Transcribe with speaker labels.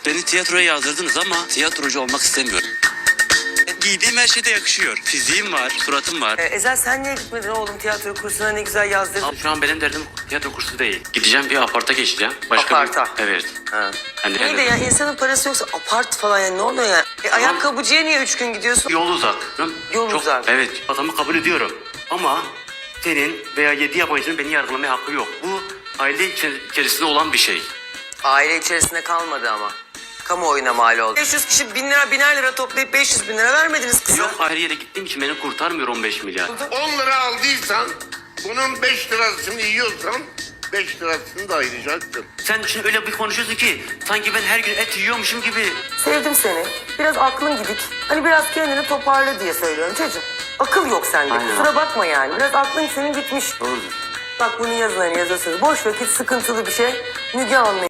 Speaker 1: Beni tiyatroya yazdırdınız ama tiyatrocu olmak istemiyorum. Giydiğim her şeyde yakışıyor. Fiziğim var, suratım var.
Speaker 2: Ezel sen niye gitmedin oğlum tiyatro kursuna, ne güzel yazdırdın.
Speaker 1: Abi şu an benim derdim tiyatro kursu değil. Gideceğim bir aparta geçeceğim.
Speaker 2: Aparta?
Speaker 1: Evet.
Speaker 2: Ha.
Speaker 1: Hani
Speaker 2: İyi de ya insanın parası yoksa apart falan yani ne oluyor ya? Ayakkabıcıya niye 3 gün gidiyorsun?
Speaker 1: Yol uzak.
Speaker 2: Yol uzak.
Speaker 1: Evet. Adamı kabul ediyorum. Ama senin veya 7 yabancının beni yargılamaya hakkı yok. Bu aile içerisinde olan bir şey.
Speaker 2: Aile içerisinde kalmadı ama. Kamuoyuna mal oldu. 500 kişi 1000 lira 1000'er lira toplayıp 500 bin lira vermediniz kıza.
Speaker 1: Yok her yere gittiğim için beni kurtarmıyor 15 milyar.
Speaker 3: 10 lira aldıysan bunun 5 lirasını yiyorsan 5 lirasını da ayıracaksın.
Speaker 1: Sen şimdi öyle bir konuşuyorsun ki sanki ben her gün et yiyormuşum gibi.
Speaker 2: Sevdim seni. Biraz aklın gidik. Hani biraz kendini toparla diye söylüyorum çocuğum. Akıl yok sende.
Speaker 1: Aynen.
Speaker 2: Kusura bakma yani. Biraz aklın senin gitmiş.
Speaker 1: Doğrudur.
Speaker 2: Bak bunu yazın hani yazıyorsunuz. Boş vakit sıkıntılı bir şey. Müge Anlı